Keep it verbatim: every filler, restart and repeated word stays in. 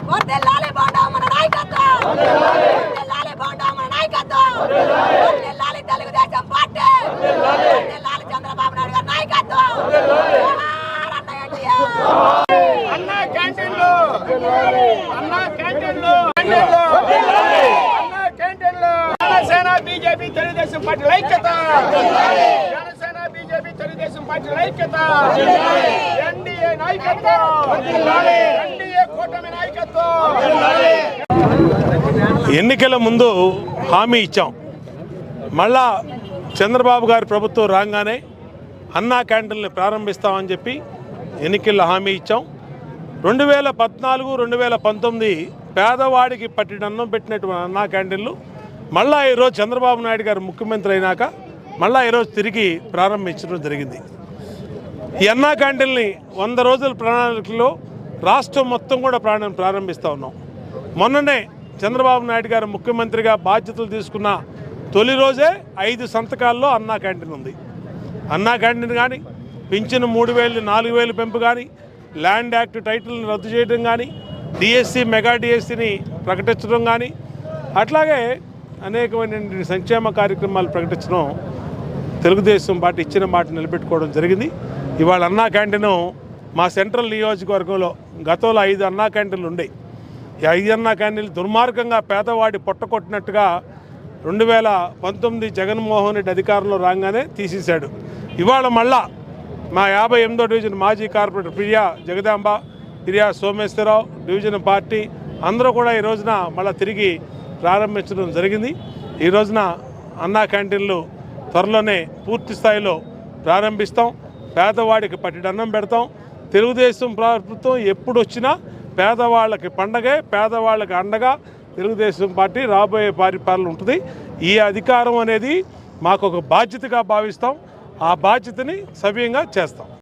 వర్ధిల్లాలి బాండా మన నాయకత్వం, వర్ధిల్లాలి బాండా మన నాయకత్వం, వర్ధిల్లాలి తెలుగుదేశం పార్టీ, వర్ధిల్లాలి చంద్రబాబు నాయుడు గారి నాయకత్వం. అన్నా క్యాంటీన్లు, అన్నా క్యాంటీన్లు, అన్నా క్యాంటీన్లు. జనసేన బీజేపీ తెలుగుదేశం పార్టీ ఐక్యత, జనసేన బీజేపీ తెలుగుదేశం పార్టీ ఐక్యత, ఎన్డీఏ నాయకత్వం, ఎన్డీఏ కూటమి నాయకత్వం. ఎన్నికల ముందు హామీ ఇచ్చాం, మళ్ళా చంద్రబాబు గారి ప్రభుత్వం రాగానే అన్నా క్యాంటీన్లు ప్రారంభిస్తామని చెప్పి ఎన్నికల్లో హామీ ఇచ్చాం. రెండు వేల పద్నాలుగు రెండు వేల పంతొమ్మిది పేదవాడికి పట్టిన అన్నం పెట్టినటువంటి అన్నా క్యాంటీన్లు మళ్ళా ఈరోజు చంద్రబాబు నాయుడు గారు ముఖ్యమంత్రి అయినాక మళ్ళా ఈరోజు తిరిగి ప్రారంభించడం జరిగింది. ఈ అన్నా క్యాంటీన్ని వంద రోజుల ప్రణాళికలో రాష్ట్రం మొత్తం కూడా ప్రాణం ప్రారంభిస్తూ ఉన్నాం. మొన్ననే చంద్రబాబు నాయుడు గారు ముఖ్యమంత్రిగా బాధ్యతలు తీసుకున్న తొలి రోజే ఐదు సంతకాల్లో అన్నా క్యాంటీన్ ఉంది. అన్నా క్యాంటీన్ కానీ, పింఛను మూడు వేలు నాలుగు వేలు పెంపు కానీ, ల్యాండ్ యాక్ట్ టైటిల్ని రద్దు చేయడం కానీ, డిఎస్సి మెగా డిఎస్సిని ప్రకటించడం కానీ, అట్లాగే అనేకమైన సంక్షేమ కార్యక్రమాలు ప్రకటించడం తెలుగుదేశం పార్టీ ఇచ్చిన మాట నిలబెట్టుకోవడం జరిగింది. ఇవాళ అన్నా క్యాంటీను మా సెంట్రల్ నియోజకవర్గంలో గతంలో ఐదు అన్నా క్యాంటీన్లు ఉండేవి. ఈ ఐదు అన్నా క్యాంటీన్లు దుర్మార్గంగా పేదవాడి పొట్టకొట్టినట్టుగా రెండు వేల పంతొమ్మిది జగన్మోహన్ రెడ్డి అధికారంలో రాగానే తీసేశాడు. ఇవాళ మళ్ళా మా యాభై ఎనిమిదో డివిజన్ మాజీ corporator Priya Jagadamba, Priya Someswararao division party అందరూ కూడా ఈ రోజున మళ్ళీ తిరిగి ప్రారంభించడం జరిగింది. ఈ రోజున అన్నా క్యాంటీన్లు త్వరలోనే పూర్తి స్థాయిలో ప్రారంభిస్తాం. పేదవాడికి పట్టిడన్నం పెడతాం. తెలుగుదేశం ప్రభుత్వం ఎప్పుడు వచ్చినా పేదవాళ్ళకి పండగే, పేదవాళ్ళకి అండగా తెలుగుదేశం పార్టీ రాబోయే పరిపాలన ఉంటుంది. ఈ అధికారం అనేది మాకు ఒక బాధ్యతగా భావిస్తాం. ఆ బాధ్యతని సవ్యంగా చేస్తాం.